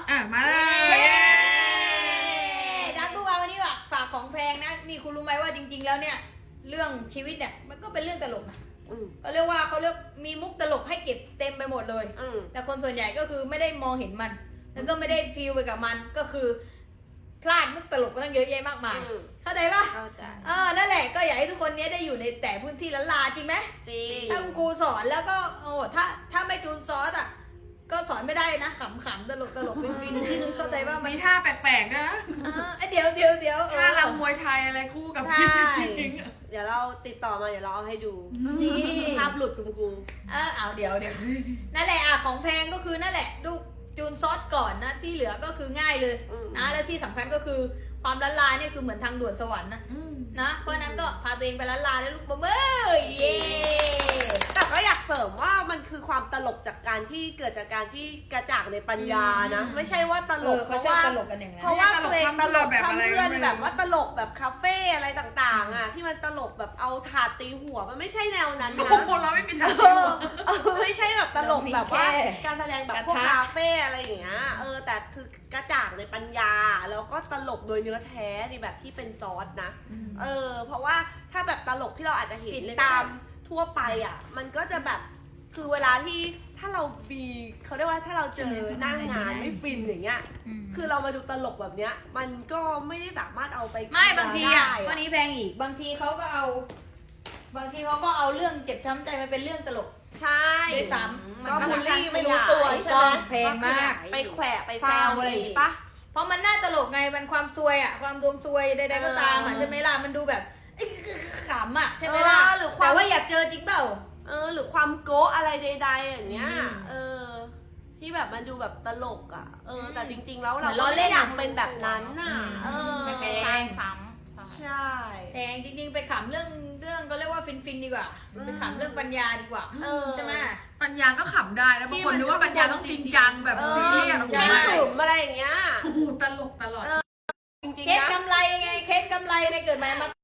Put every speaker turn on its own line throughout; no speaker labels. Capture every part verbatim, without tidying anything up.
อ่ะมาเลย
ดักตู้วาวันนี้ว่ะฝากของแพงนะนี่คุณรู้ไหมว่าจริงๆแล้วเนี่ยเรื่องชีวิตเนี่ยมันก็เป็นเรื่องตลกนะก็เรียกว่าเขาเรียกมีมุกตลกให้เก็บเต็มไปหมดเลยแต่คนส่วนใหญ่ก็คือไม่ได้มองเห็นมันแล้วก็ไม่ได้ฟีลไปกับมันก็คือพลาดมุกตลกตั้งเยอะแยะมากมายเข้าใจปะเข้าใจเออนั่นแหละก็อยากให้ทุกคนเนี้ยได้อยู่ในแต่พื้นที่ละลาจริงไหมจริงถ้าคุณครูสอนแล้วก็โอ้ถ้าถ้าไม่จูนซอสอ่ะก็สอนไม่ได้นะขำๆตลกตลกฟินฟินเข้าใจว่ามัน
มีท่าแปลกๆนะ
เดี๋ยวเดี๋ยวเดี๋ยว
ท่ารำมวยไทยอะไรคู่กับพี่
เดี๋ยวเราติดต่อมาเดี๋ยวเราเอาให้ดูนี่ภาพหลุดคุณครู
เออเอาเดี๋ยวเดี๋ยวนั่นแหละอ่ะของแพงก็คือนั่นแหละดูจูนซอสก่อนนะที่เหลือก็คือง่ายเลยนะแล้วที่สำคัญก็คือความละลายเนี่ยคือเหมือนทางด่วนสวรรค์นะนะเพราะนั้นก็พาตัวเองไปละลายแล้วลูกบ๊อบเบ้ยเย่
แต่ก็อยากเสริมว่ามันคือความตลกจากการที่เกิดจากการที่กระจ่างในปัญญานะไม่ใช่ว่าตลกเพราะว่าเพราะว่าเพลงตลกทำเพื่อนแบบว่าตลกแบบคาเฟ่อะไรต่างๆอ่ะที่มันตลกแบบเอาถาดตีหัวมันไม่ใช่แนวนั้นนะ
คนเราไม่มีทาง
ไม่ใช่แบบตลกแบบว่าการแสดงแบบพวกคาเฟ่อะไรอย่างเงี้ยเออแต่คือกระจ่างในปัญญาแล้วก็ตลกโดยเนื้อแท้ในแบบที่เป็นซอสนะเออเพราะว่าถ้าแบบตลกที่เราอาจจะเห็นตามทั่วไปอ่ะมันก็จะแบบคือเวลาที่ถ้าเราบีเขาเรียกว่าถ้าเราเจอหน้างานไม่ฟินอย่างเงี้ยคือเรามาดูตลกแบบเนี้ยมันก็ไม่ได้สามารถเอาไป
ไม่บางทีอ่ะวันนี้แพงอีกบางทีเขาก็เอาบางทีเขาก็เอาเรื่องเจ็บช้ำใจมาเป็นเรื่องตลก
ใช่
ด้วยซ้ำ
ก็บูลลี่ไม่รู้ตัวใช่ไหม
แพงมาก
ไปแขวะไปแซวอะไรปะ
เพราะมันน่าตลกไงมันความซวยอ่ะความดวงซวยใดๆก็ตามอ่ะใช่ไหมล่ะมันดูแบบขำอ่ะใช่ไหมล่ะแต่ว่าอยากเจอจริงเปล่า
เออหรือความโก๊ะอะไรใดๆอย่างเงี้ยเออที่แบบมันดูแบบตลกอ่ะเออแต่จริงๆแล้วเราไม่อยากเป็นแบบนั้นน่ะเออ
ไม่เป็นซ้
ำใช่
แต่จริงๆไปขำเรื่องเรื่องก็เรียกว่าฟินฟินดีกว่าไปขำเรื่องปัญญาดีกว่าใช่ไหม
ปัญญาก็ขำได้แล้วบางคนนึกว่าปัญญาต้องจริงจังแบบซีเรียส
ใช่อะไรอย่างเงี้ย
ตลกตลอด
เคสกำไรไงเคสกำไรในเกิดมามา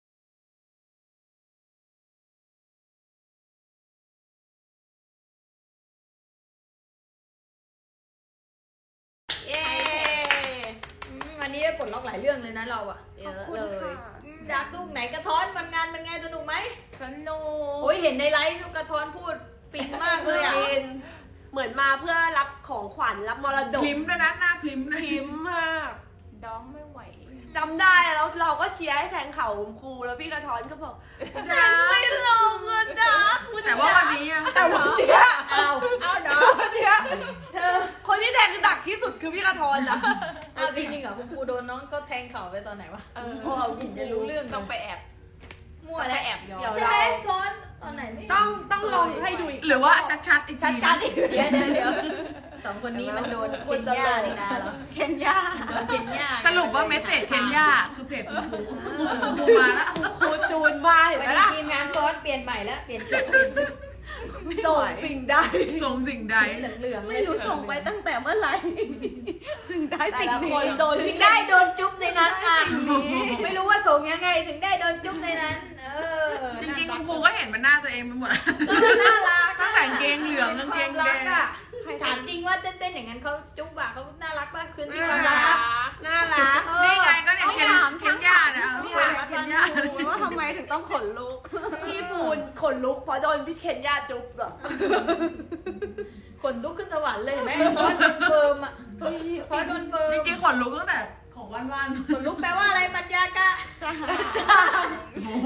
วันนี้ได้ปลดล็อกหลายเรื่องเลยนะเราอะ
เยอะเลย
ดักตุ้งไหนกระท้อนวันงานเป็นไงสนุกไหม
สนุก
โอ้ยเห็นในไลฟ์กระท้อนพูดฟินมากเลยอะ
เหมือนมาเพื่อรับของขวัญรับมรดก
พิมพ์ด้วยนะหน้าพิมพ์
พิมพ์มาก
ดองไม่ไหว
จำได้แล้วเราก็เชียร์ให้แทงเข่าครูแล้วพี่กระท้อนก็บอกแทงไม่ลงเงินดัก
แต่ว่าวันนี้
แต่วันนี้เอาเอาเนาะวันนี้เธอคนที่แทงดักที่สุดคือพี่กระท้อนนะ
เอาจริงๆเหรอคุณครูโดนน้องก็แทงเข่าไปตอนไหนวะ
เออ
จะรู้เรื่อง
ต้องไปแอบ
มั่วแล้ว
แอบ
ย้อนใช่ไหมท้อนตอนไหนไม่
ต้องต้องลองให้ดูอีก
หรือว่าชัดๆอีกที
ชัดๆอีก
เดี๋ยวเดี๋ยวเดี๋ยวสองคนนี้มันโดนเคนย่านี่นะเหรอ
เคนยา
โดนเคนย่า
สรุปว่าเมสเซจเคนย่าคือเพจคุณครูครูมาแล้ว
ครูจูนมาเห็นไหมล่ะ
ทีมงานซอสเปลี่ยนใหม่แล้วเปลี่ยนชุดเปลี่ยนชุด
ส่งสิ่งใด
ส่งสิ่งใด
เหลืองๆ
ไม่รู้ส่งไปตั้งแต่เมื่อไหร่ถึงได้สิ่งนี้
โดนถึงได้โดนจุ๊บในนั้นอ่ะไม่รู้ว่าส่งยังไงถึงได้โดนจุ๊บในนั้นเออ
จริงๆคุณครูก็เห็นมันหน้าตัวเองไปหมด
ก็มันน่ารัก
ตั้งแต่เกงเหลืองกางเกงแดง
อ่ะถามจริงว่าเต้นๆอย่างนั้นเขาจุ๊บอะเขาน่ารักป่ะคืนที่ความรัก
น่ารัก
นี่ไงก็เนี่ยเคนเคนย่าเนี่ย
ถามอาจารย์ปูว่าทำไมถึงต้องขนลุกพี่ปูนขนลุกเพราะโดนพี่เคนย่าจุ๊บเหรอ
ขนลุกขึ้นสวรรค์เลยแม่ซอสโดนเฟิร์มอะซอสโดนเฟิร์ม
จริงๆขนลุกตั้งแต่ของวันวัน
ขนลุกแปลว่าอะไรปัญญากะ
โอ้โห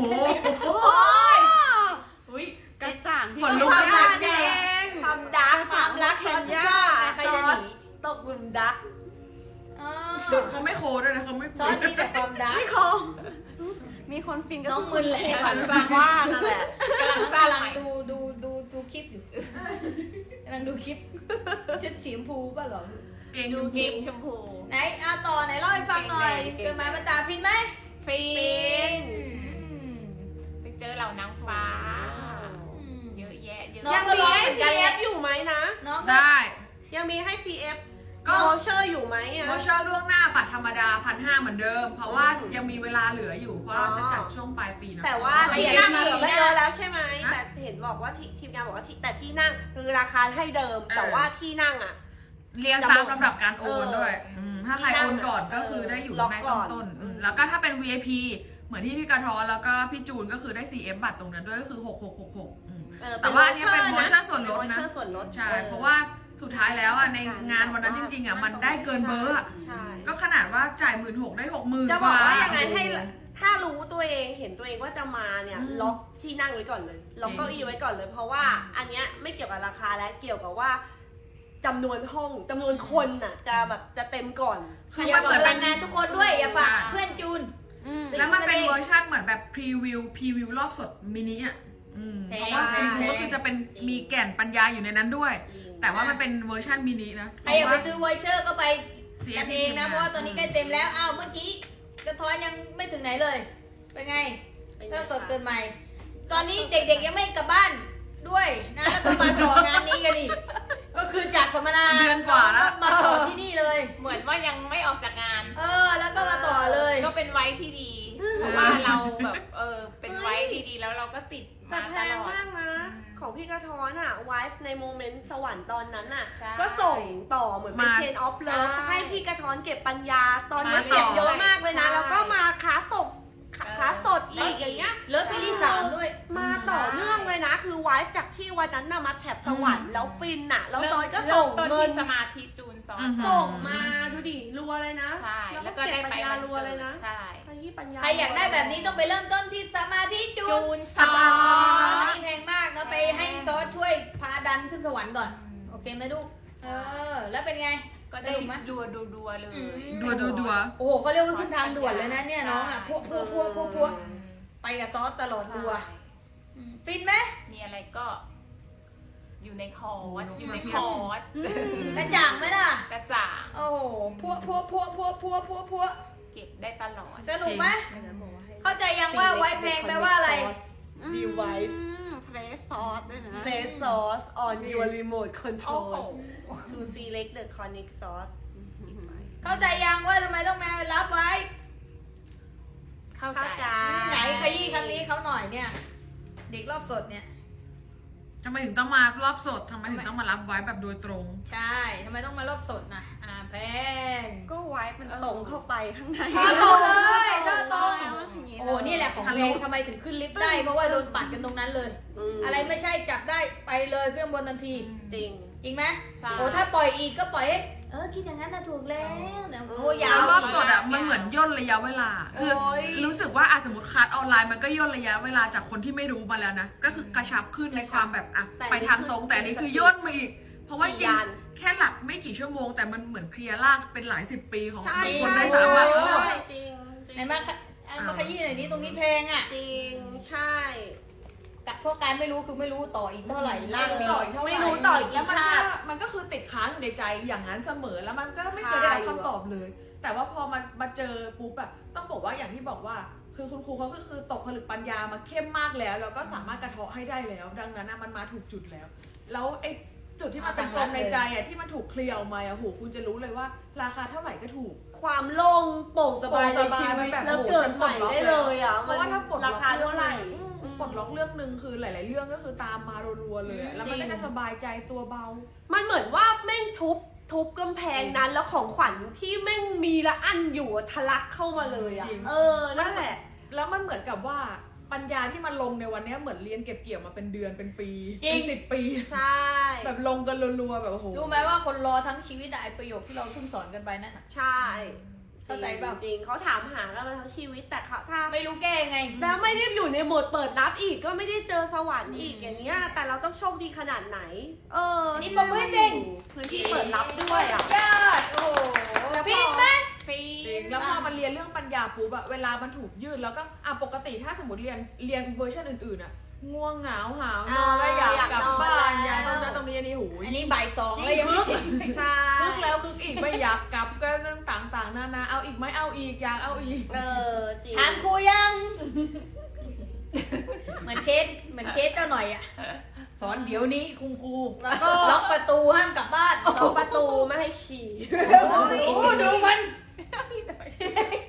อุ้ยกระจ่าง
ขนลุก
มากเองความดัก
ความรักแคนย่าใครจะหนี
ตกหลุมดัก
เขาไม่โคด้วยนะเขาไม่
ซอสมีแต่ความดัก
ไม่โคมีคนฟินก็
น้องมึนแหละ
ฝันฟังว่านั่นแหละ
กำลังกำลังดูดูดูดูคลิปอยู่กำลังดูคลิปชุดสีชมพูป่ะหรอ
เก่ง
ดูคลิปชมพู
ไหนอาต่อไหนเล่าให้ฟังหน่อยเกิดมาบรรดาฟินไหม
ฟินไปเจอเหล่านางฟ้าเยอะแยะเยอะ
ยังมีให้ ซี เอฟ อยู่ไหมนะ
ได้
ยังมีให้ ซี เอฟ ก็วอเชอร์อยู่ไหมอ่ะ
วอเชอร์ล่วงหน้าบัตรธรรมดาพันห้าเหมือนเดิมเพราะว่ายังมีเวลาเหลืออยู่เพราะเราจะจัดช่วงปลายปีนะ
แต่ว่าที่นั่งเหลือไม่เยอะแล้วใช่ไหมแต่เห็นบอกว่าทีมงานบอกว่าแต่ที่นั่งคือราคาให้เดิมแต่ว่าที่นั่งอ่ะ
เรียงตามลำดับการโอนด้วยมถ้าใครโอนก่อนก็คือได้อยู่ในต้นต้นๆแล้วก็ถ้าเป็น วี ไอ พี เหมือนที่พี่กระท้อนแล้วก็พี่จูนก็คือได้ ซี เอฟ บัตรตรงนั้นด้วยก็คือหกหกหกหกแต่ว่าอันนี้เป็นโปรโมชั่นส่วนลดนะใช่เพราะว่าสุดท้ายแล้วอ่ะในงานวันนั้นจริงๆอ่ะมันได้เกินเบอร์อ่ะก็ขนาดว่าจ่ายหมื่นหกได้หกหมื่น
จะบอกว่ายังไงให้ถ้ารู้ตัวเองเห็นตัวเองว่าจะมาเนี่ยล็อกที่นั่งไว้ก่อนเลยล็อกเก้าอี้ไว้ก่อนเลย เพราะว่าอันเนี้ยไม่เกี่ยวกับราคาและเกี่ยวกับว่าจำนวนห้องจำนวนคนน่ะจะแบบจะเต็มก่อน
คือมันเหมือนเป็นงานทุกคนด้วยอย่าฝากเพื่อนจูน
แล้วมันเป็นเวอร์ชันเหมือนแบบพรีวิวพรีวิวรอบสดมินิอ่ะเพราะว่าพรีวิวก็คือจะเป็นมีแก่นปัญญาอยู่ในนั้นด้วยแต่ว่ามันเป็นเวอร์ชันมินินะ
ใครอยากไปซื้อไวเชอร์ก็ไปกันเองนะเพราะว่าตอนนี้ใกล้เต็มแล้วอ้าวเมื่อกี้กระท้อนยังไม่ถึงไหนเลยเป็นไงก็สดเกินใหม่ตอนนี้เด็กๆยังไม่กลับบ้านด้วยนะแล้วก็มาต่องานนี้กันอีกก็คือจากสัมมนา
เดือนกว่าแล้ว
มาต่อที่นี่เลย
เหมือนว่ายังไม่ออกจากงาน
เออแล้วก็มาต่อเลย
ก็เป็นไว้ที่ดี เพราะว่าเราแบบเออเป็นไว้ที่ดีแล้วเราก็ติด
แต่
มา
แพ
ต
ง
ลอด
มากนะ ของพี่กระท้อนอ่ะไวฟ์ในโมเมนต์สวรรค์ตอนนั้นอ่ะ
ใช่
ก็ส่งต่อเหมือนเป็น
มา
เชนออฟเลิฟ
ใช่
ให้พี่กระท้อนเก็บปัญญา ตอนนี้
มาต่อ
เก็บเยอะมากเลยนะ
ใช่
แล้วก็มาคลาสสด
เออ
คลาสสดอีกอย่างเงี้ย
เลิฟซีรีส์สามด้วย
มาต่อเนื่องเลยนะ คือไวฟ์จากที่วันนั้นน่ะมาแถบสวรรค์แล้วฟินน่ะ แล้วซอยก็ส่ง
ริ่มต้น
เงิน
ที่สมาธิจูนซอน
อือฮึ
ส่งมาดูดิรัวเลยนะ
ใช่
แล้ว
แล้ว
ก็
ก็
เก็บ
ได้
ปั
ไป
ญญา
วัน
รัวเลยนะ
ใช่
ไปที่ปัญญา
ใครอยากได้แบบนี้ต้องไปเริ่มต้นที่สมาธิจู
จู
น
น
ส
ซ
มา
อน
ธิแพงมากเนาะไปให้ซอสช่วยพาดันขึ้นสวรรค์ก่อนโอเคไหมลูกเออแล้วเป็นไง
ก็ได้ดัวดัวดัวเลย
ดัวดัวดัว
โอ้โหเขาเรียกว่าขึ้นทางด่วนเลยนะเนี่ยน้องอ่ะพวกพวกพวกพวกพวกไปกับซอสตลอดตัวอืมฟินไหม
มีอะไรก็ อยู่ในคอร์ส
โอ้โห
อยู่ในคอร์ส
กระจ่างไหมล่ะ
กระจ่าง
โอ้โหพวกพวกพวกพวกพวกพวกพวก
เก็บได้ตลอด
สนุกไหมเข้าใจยังว่าไว้แพงแปลว่าอะไร
ดีไวซ์
เพรสซอสด้วยนะ
Play sauce on your remote
โอ้โห
control to select the conic sauce
เข้าใจยังว่าทำไมต้องมารับไว้
เข้า
เข้า
ใจ
ใจ
ไหนขยี้ครั้งนี้เขาหน่อยเนี่ย เด็กรอบสดเนี่ย
ทำไมถึงต้องมารอบสดทำไมถึงต้องมารับไว้แบบโดยตรง
ใช่ทำไมต้องมารอบสดนะอ่าแพง
ก็ไว้มันตรงเข้าไปข้างใน
ท่อตรงเลยท่อตรง
อย่างนี้
โอ้นี่แหละของแพงทำไมถึงขึ้นลิฟต์ได้ เพราะว่าโดนปัดกันตรงนั้นเลย
ม
อะไรไม่ใช่จับได้ไปเลยขึ้นบนทันที
จริง
จริงไหม
ใช่
โอ้ถ้าปล่อยอีกก็ปล่อยให้เออคิดอย่างนั้นนะถูกแล้วแต่โอ้ยา
แล้ว
ว
รอบ
อีก
สดอ่ะมันเหมือนย่นระยะเวลา คือ
โอ้ย
รู้สึกว่าอ่ะสมมติคลาสออนไลน์มันก็ย่นระยะเวลาจากคนที่ไม่รู้มาแล้วนะ ก็คือกระชับขึ้นในความแบบอ่ะ
แต่
ไปทางตรงแต่อันนี้คือย่นมาอีก เพราะว่าจริง
ยาน
แค่หลักไม่กี่ชั่วโมง แต่มันเหมือนเคลียร์ลากเป็นหลายสิบปีของ
ใช่
คน
ใช่
ได้สามารถ
ใช่จริงจริง
ไหนมาขะเอามาขยี้หน่อยนี้ตรงนี้แพงอ่ะ
จริงใช่
กะพวกการไม่รู้คือไม่รู้ต่ออีกเท่าไหร่ล่างนี้
ไม่รู้ต่ออีก
แล้วมัน
ชา
ก็
ติ
มันก็คือติดค้างอยู่ในใจอย่างนั้นเสมอแล้วมันก็ไม่เคยได้รับคำตอบเลย แต่ว่าพอมันมาเจอปุ๊บอะต้องบอกว่าอย่างที่บอกว่า คือคุณครูเขาก็คือตกผลึกปัญญามาเข้มมากแล้วแล้วก็สามารถกระเทาะให้ได้แล้ว ดังนั้นอะมันมาถูกจุดแล้ว แล้วไอ้จุดที่มันเป็นปมในใจอะที่มันถูกเคลียร์ออกมาอะโหคุณจะรู้เลยว่า ราคาเท่าไหร่ก็ถูก
ความโล่งโปร่งสบาย
โปร่งส
ใน
บาย
ชี
มั
วิ
น
ต
แบบ
แล้ว
โอ้โห
เกิดใหม่ได้เลยอ่ะ
เพราะว่าถ้าปลดล็
รา
อก
คาเท่าไหร่
อืมปลดล็อกเรื่องหนึ่งคือหลาย ๆ เรื่องก็คือตามมารัวๆเลยอะแล้วมันก็จะสบายใจตัวเบา
มันเหมือนว่าแม่งทุบทุบกำแพงนั้นแล้วของขวัญที่แม่งมีละอันอยู่อะทะลักเข้ามาเลยอ่ะ
จริง
เออนั่นแหละ
แล้วมันเหมือนกับว่าปัญญาที่มันลงในวันเนี้ยเหมือนเรียนเก็บเกี่ยวมาเป็นเดือนเป็นปี
จริง
เป็นสิบปี
ใช่
แบบลงกันรัวๆแบบโอ้โห
รู้ไหมว่าคนรอทั้งชีวิตอะไอประโยคที่เราเพิ่งสอนกันไปนั่นอะ
ใช่
เข้าใจเปล่า
จริงๆเขาถามหากันมาทั้งชีวิตแต่เขาถ้า
ไม่รู้แก้ยังไง
แล้วไม่ได้อยู่ในโหมดเปิดรับอีกก็ไม่ได้เจอสวรรค์อีกอย่างเงี้ยแต่เราต้องโชคดีขนาดไหน เออ
นี่ปรบมือให้จริง
พื้นที่เปิดรับด้วยอ่ะ
ยอดโอ้โหฟินไหม
ฟรี
จริงแล้วพอมันเรียนเรื่องปัญญาปุ๊บอะเวลามันถูกยืดแล้วก็อ่ะปกติถ้าสมมติเรียนเรียนเวอร์ชันอื่นๆอะง่วงเหงาหาวนอนแล้วอยากกลับบ้านอยากตรงนั้นตรงนี้อันนี้หูย
อันนี้บ่ายสองแล้วยัง
คึก
ใช่
คึกแล้วคึกอีกไม่อยากกลับก็เรื่องต่างๆนานาเอาอีกไหมเอาอีกอยากเอาอีก
เออจริง
ถามครูยัง เหมือนเคสเหมือนเคสเจ้าหน่อยอะสอนเดี๋ยวนี้คุณครู
แล้วก็
ล็อกประตูห้ามกลับบ้าน
ล็อกประตูไม่ให้ฉี่
โอ้โหดูมัน
จ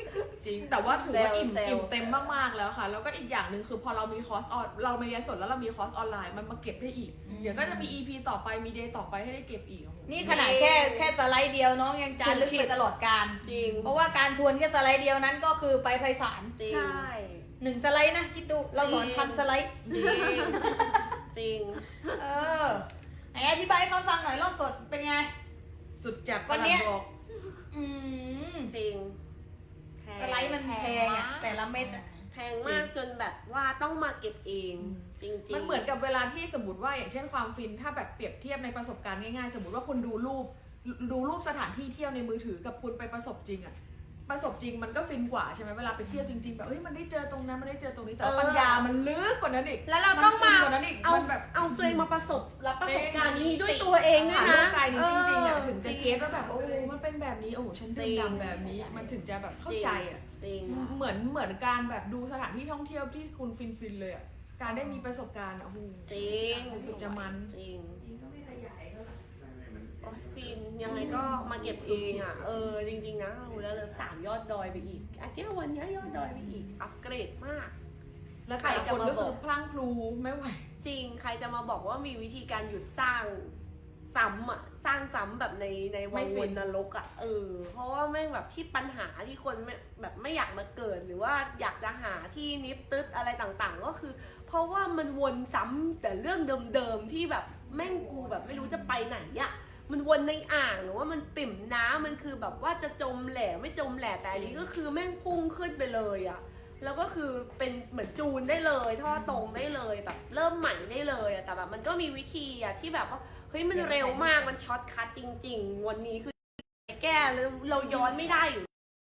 ริง แต่ว่าถือว่าอิ่ม
เซลล์
อิ่มเต็มมากๆแล้วค่ะ แล้วก็อีกอย่างหนึ่งคือพอเรามีคอร์สออนเรามาเรียนสดแล้วเรามีคอร์สออนไลน์มันมาเก็บได้อีก เดี๋ยวก็จะมี อี พี ต่อไปมีเดย์ต่อไปให้ได้เก็บอีก
นี่ขนาดแค่แค่สไลด์เดียวน้องยังจารึกไปตลอดการ
จริง
เพราะว่าการทวนแค่สไลด์เดียวนั้นก็คือไปไพศาล
จริง
ใช่
หนึ่งสไลด์นะคิดดูเราสอนพันสไลด์
จริงจริง
เออไหนอธิบายให้เขาฟังหน่อยรอบสดเป็นไง
สุดจัด
วันเนี้ย
กำลังบอก
อืม
จริงแพง
สไลด์มันแพงอะแต่ละเม็ดอะ
แพงมากจนแบบว่าต้องมาเก็บเอง จริงๆ
มันเหมือนกับเวลาที่สมมติว่าอย่างเช่นความฟินถ้าแบบเปรียบเทียบในประสบการณ์ง่ายๆ สมมติว่าคุณดูรูปดูรูปสถานที่เที่ยวในมือถือกับคุณไปประสบจริงอะประสบจริงมันก็ฟินกว่าใช่ไหมเวลาไปเที่ยวจริงๆแบบเฮ้ยมันได้เจอตรงนั้นมันได้เจอตรงนี้แต่ว่าปัญญามันลึกกว่านั้นอีก
แล้วเราต้อง
ฟิ
มาน
กว่านั้นอีก
เอา
มันแบบ
เอาตัวเองมาประสบรับประสบการณ์นี้ด้วยตัวเองด้วย
ผ่าน
นะ
ร่างกายนี้จริงๆอะถึงจะ
จริง
เก็ตว่าแบบโอ้มันเป็นแบบนี้โอ้ฉันดื่มด่ำแบบนี้ มันถึงจะแบบเข้าใจอะ
จริง
เหมือนเหมือนการแบบดูสถานที่ท่องเที่ยวที่คุณฟินฟินๆเลยอ่ะ การได้มีประสบการณ์อ่ะโอ้โห
จริง
สุดจะมัน
จริง
จริงก็ไม่ขยายก็
โอ้ยฟินยังไงก็มาเก็บเองอ่ะ เออจริงๆนะรู้แล้วเลยสามยอดดอยไปอีกอาทิตย์วันนี้ยอดดอยไปอีก อัปเกรดมาก
แล้วแต่ละคนก็คือพลั้งพลูไม่ไหว
จริงใครจะมาบอกว่ามีวิธีการหยุดสร้างซ้ำอ่ะสร้างซ้ำแบบในในวั
ไม่
ง
ฟิ
วน นนรกอ่ะเออเพราะว่าแม่งแบบที่ปัญหาที่คนไม่แบบไม่อยากมาเกิดหรือว่าอยากจะหาที่นิบตึ๊ดอะไรต่างๆ ก็คือ เพราะว่ามันวนซ้ำแต่เรื่องเดิมๆที่แบบแม่งกูแบบไม่รู้จะไปไหนอ่ะมันวนในอ่างหรือว่ามันปิ่มน้ำมันคือแบบว่าจะจมแหล่ไม่จมแหล่แต่อันนี้ก็คือแม่งพุ่งขึ้นไปเลยอ่ะแล้วก็คือเป็นเหมือนจูนได้เลยท่อตรงได้เลยแบบเริ่มใหม่ได้เลยอะแต่แบบมันก็มีวิธีอะที่แบบว่าเฮ้ยมันเร็วมากมันช็อตคัทจริง ๆ วันนี้คือแก้แล้วเราย้อนไม่ได้อยู่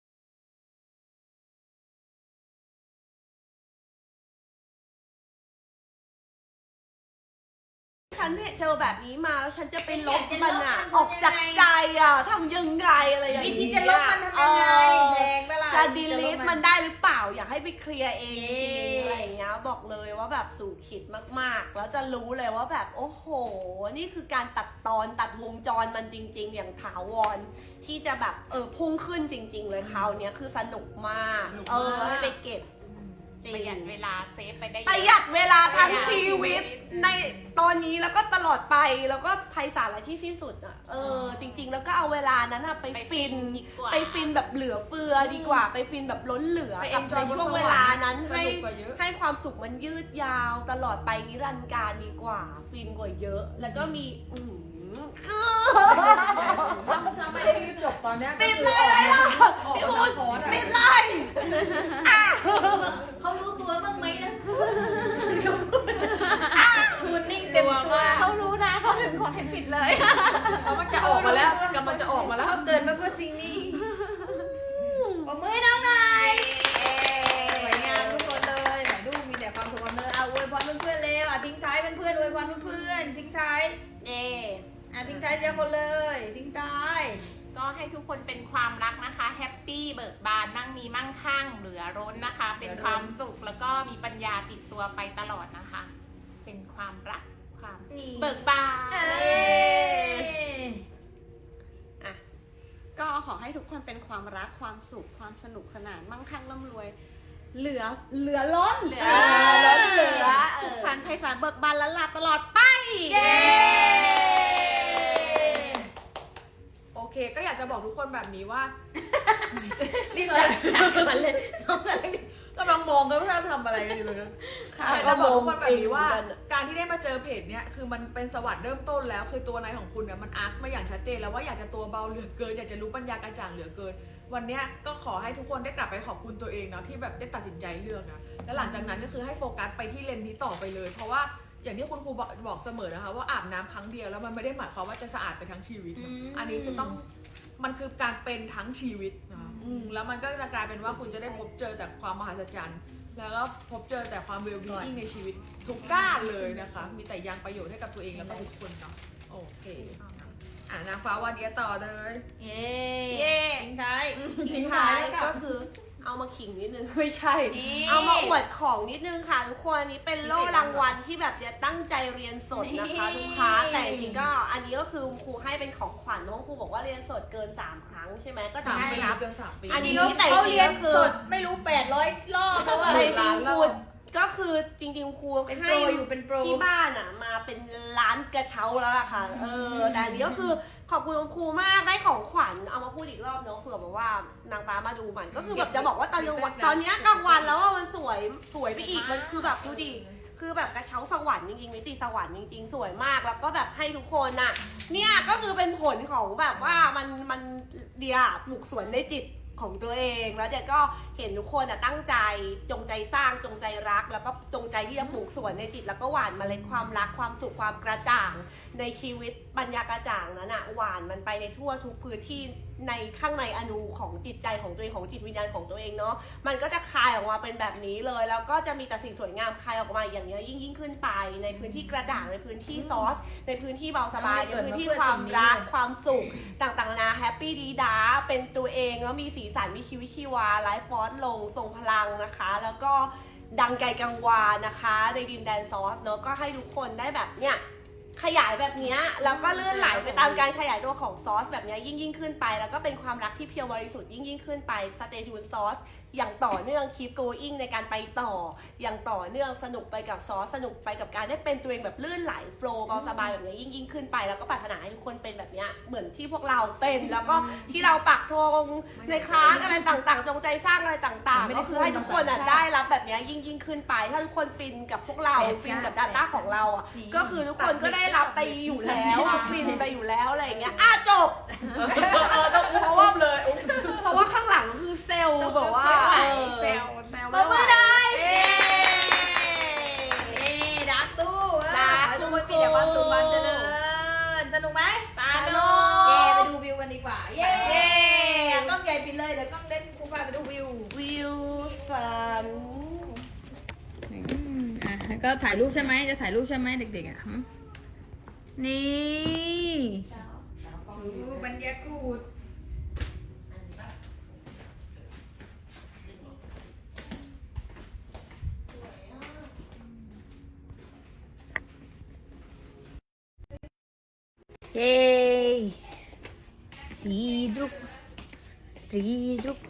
ฉันเนี่ยเจอแบบนี้มาแล้วฉันจะไปลบมันอะออกจากใจอะทำยังไงอะไรอย่าง
วิ
เงี้ย
ธีจะลบมันทำยังไง
เออ
แพงเวลา
จะดีลิทมันได้หรือเปล่าอยากให้ไปเคลียร์เองจ
เย้
ริงๆอะไรอย่างเงี้ยบอกเลยว่าแบบสู่ขิดมากๆ แล้วจะรู้เลยว่าแบบโอ้โห นี่คือการตัดตอนตัดวงจรมันจริง ๆ อย่างถาวรที่จะแบบเออพุ่งขึ้นจริง ๆ เลยคราวเนี้ยคือสนุกมาก
สนุก
เอ
มาก
อให้ไปเก็บจริง
ประหยัดเวลาเซฟไปได้เย
ประ
อะ
หยัดเวลาทั้ง
ประหยัด
ชีวิต
ชีวิต
ในตอนนี้แล้วก็ตลอดไปแล้วก็ไพศาลและที่สิ้นสุดอ่ะเออจริง ๆ แล้วก็เอาเวลานั้นอะไป
ไปฟิ
ฟิน
นดีกว่า
ไปฟินแบบเหลือเฟือดีกว่า ไปฟินแบบล้นเหลือ
ไป
กับ
enjoy
ในช่วงเวลานั้น
บนสวรรค์
ให้
สนุกกว่าเยอะ
ให้ความสุขมันยืดยาวตลอดไปนิรันดร์การดีกว่า ฟินกว่าเยอะ แล้วก็มีอือหือ
ถ้าถ้าไม่ได้รีบจบตอนเนี้ยก็
ปิด
คื
เล
อย ออก
ไหม
มา
ล่ะ
ออกมาจากคอร์สอะ
ปิดเลยอ่ะ
เขารู้ตัวบ้างไหมนะทูนนิ่งเต็มตัว
เขารู้นะเขาถึงขอให้ปิดเลย
แล้วมันจะออกมาแล้วกำลังจะออกมาแล้ว
เขาเกิดมาเพื่อสิ่งนี้ปรบมือให้น้องหน่อยสวยงามทุกคนเลยไหนดูมีแต่ความสุขความเจริญเอาอวยพรเพื่อนๆเลยอ่ะทิ้งท้ายเป็นเพื่อนอวยพรเพื่อนๆทิ้งท้าย
เย่
อ่ะทิ้งท้ายเดียวคนเลยทิ้งท้าย
ก็ให้ทุกคนเป็นความรักนะคะแฮปปี้เบิกบานนั่งมีมั่งคั่งเหลือร้นนะคะ เป็นความสุขแล้วก็มีปัญญาติดตัวไปตลอดนะคะ เป็นความรักความ
นี่
เบิกบาน
เอ้ย
อ่ะก็ขอให้ทุกคนเป็นความรักความสุขความสนุกสนานมั่งคั่งร่ำรวย เหลือเหลือล้น
เหลือ
ล้นเหลือ
สุขสันต์ไพศาลเบิกบานและลาตลอดไป
เย้
โอเค ก็อยากจะบอกทุกคนแบบนี้ว่า
รีบจัดก่อนเลยน้องอะไร
กำลังมองกันว่าจะทำอะไรกันอยู่เลยนะอยากจะบอกทุกคนแบบนี้ว่า การที่ได้มาเจอเพจเนี้ยคือมันเป็นสวรรค์เริ่มต้นแล้วคือตัวนายของคุณเนี่ยมันอาร์คมาอย่างชัดเจนแล้วว่าอยากจะตัวเบาเหลือเกินอยากจะรู้ปัญญากระจ่างเหลือเกิน วันเนี้ยก็ขอให้ทุกคนได้กลับไปขอบคุณตัวเองเนาะที่แบบได้ตัดสินใจเลือกนะแล้วหลังจากนั้นก็คือให้โฟกัสไปที่เลนส์นี้ต่อไปเลย เพราะว่าอย่างที่คุณครูบอกบอกเสมอนะคะว่าอาบน้ำครั้งเดียวแล้วมันไม่ได้หมายความว่าจะสะอาดไปทั้งชีวิตนะอันนี้คือต้องมันคือการเป็นทั้งชีวิตนะอืมแล้วมันก็จะกลายเป็นว่าคุณจะได้พบเจอแต่ความมหัศจรรย์ แล้วก็พบเจอแต่ความเวลบีอิงในชีวิตทุกด้านเลยนะคะ มีแต่ยังประโยชน์ให้กับตัวเองแล้วก็ทุกคนเนาะโอเคอ่านางฟ้าวันเดียต่อเลย
เย้
เย่
ทิ้งท้าย
ทิ้งท้ายก็คือเอามาขิงนิดนึง ไม่ใช่
นี่
เอามาอวดของนิดนึงค่ะทุกคนอันนี้เป็นโล่รางวัลที่แบบจะตั้งใจเรียนสดนะคะ
นี่
ลูกค้าแต่จริงๆก็อันนี้ก็คือครูให้เป็นของขวัญน้องครูบอกว่าเรียนสดเกินสามครั้งใช่ไหมก็จะ
สาม
ได้
ปี
รับ
เกินสามปี
อันนี้
เขา
แต่
เขาเรียน
จริงๆก็คือ
สดไม่รู้แปดร้อยรอบเพราะว่า
ใน
ร้าน
ค
เรา
รูก็คือจริงๆครู
เป็นโปร
ให้
อยู่เป็นโปร
ที่บ้านอ่ะมาเป็นร้านกระเช้าแล้วล่ะค่ะเออแต่อันนี้ก็คือขอบคุณคุณครูมากได้ของขวัญเอามาพูดอีกรอบเนาะเผื่อแบบว่านางฟ้ามาดูมันก็คือแบบจะบอกว่าตอนกลางวันตอนเนี้ยกลางวันแล้วว่ามันสวยสวยไปอีกมันคือแบบดูดิคือแบบกระเช้าสวรรค์จริงๆมิติสวรรค์จริงๆสวยมากแล้วก็แบบให้ทุกคนน่ะเนี่ยก็คือเป็นผลของแบบว่ามันมันเดียปลูกสวนในจิตของตัวเองแล้วเดี๋ยวก็เห็นทุกคนอ่ะตั้งใจจงใจสร้างจงใจรัก แล้วก็จงใจที่จะปลูกสวนในจิตแล้วก็หว่านเมล็ดความรักความสุขความกระจ่างในชีวิตปัญญากระจ่างนั้นอ่ะหว่านมันไปในทั่วทุกพื้นที่ในข้างในอนูของจิตใจของตัวเองของจิตวิญญาณของตัวเองเนาะมันก็จะคายออกมาเป็นแบบนี้เลย แล้วก็จะมีแต่สิ่งสวยงามคายออกมาอย่างนี้ยยิ่งยิ่งขึ้นไปในพื้นที่กระจ่างในพื้นที่ซอส ในพื้นที่เบาสบายในพื้นที่ความรักความสุขต่างๆนานาแฮปปี้ดีดาเป็นตัวเองแล้วมีสีสันมีชีวิตชีวาไลฟ์ฟอร์สลงทรงพลังนะคะ แล้วก็ดังไกลกังวานนะคะในดินแดนซอสเนาะก็ให้ทุกคนได้แบบเนี้ยขยายแบบเนี้ยแล้วก็เลื่อนไหลไปตามการขยายตัวของซอสแบบเนี้ยยิ่งยิ่งขึ้นไปแล้วก็เป็นความรักที่เพียวบริสุทธิ์ยิ่งยิ่งขึ้นไปสเตยูนซอสอย่างต่อเนื่อง keep going ในการไปต่ออย่างต่อเนื่องสนุกไปกับซอสสนุกไปกับการได้เป็นตัวเองแบบลื่นไหลโฟล์เบาสบายแบบนี้ยิ่งยิ่งขึ้นไปแล้วก็ปรารถนาให้ทุกคนเป็นแบบเนี้ยเหมือนที่พวกเราเป็นแล้วก็ที่เราปักธงในคลาสอะไรต่างๆจงใจสร้างอะไรต่างๆก็คือให้ทุกคนอ่ะได้รับแบบเนี้ยยิ่งยิ่งขึ้นไปถ้าทุกคนฟินกับพวกเราฟินกับ Data ของเราอ่ะก็คือทุกคนก็ได้รับไปอยู่แล้วฟินไปอยู่แล้วอะไรอย่างเงี้ยอ่ะจบ
เออต้องเพราะว่าเลย
เพราะว่าข้างหลังคือเซลล์แบบว่าเออ
เซลล์
เซลล์
เปิดมือได้
เย้
เอ๊ดักตู้
ดัก
ขอให้ทุกคนมีแต่ความสุขความเจริญสนุกไหม
สนุก
เย้ไปดูวิวกันดีกว่า เย้
เย้
กล้องใหญ่ปิดเลยเดี๋ยวกล้องเล่นครูพาไปดูวิว
วิวสัน
อืมอ่ะแล้วก็ถ่ายรูปใช่ไหมจะถ่ายรูปใช่ไหมเด็กๆอ่ะหึนี่ดูบรรยากาศเย้รีดรุกรีดรุก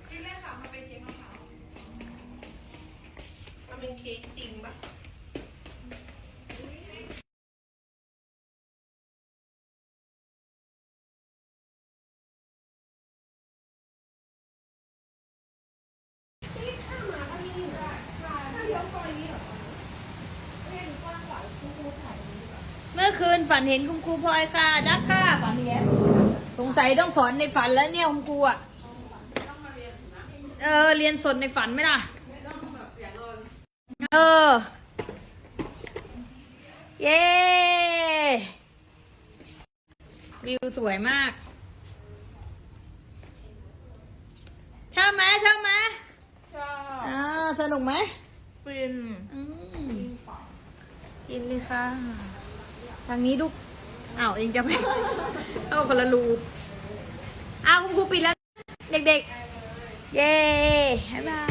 มันเป็นเค้กจริงปะ
เมื่อคืนฝันเห็นคุณครูพลอยค่ะดักค่ะฝันอีกแล้วสงสัยต้องสอนในฝันแล้วเนี่ยคุณครูอ่ะเออเรียนสดในฝันไหมล่ะเออเย้วิวสวยมากชอบไหมชอบไหม
ชอบ
อ่าสนุกไหม
ฟิน
อืมกินเลยค่ะทางนี้ลูกอ้าวเองจะไปเข้าคนละรูอ้าวคุณครูปิดแล้ว เด็กๆ เย้บ๊ายบาย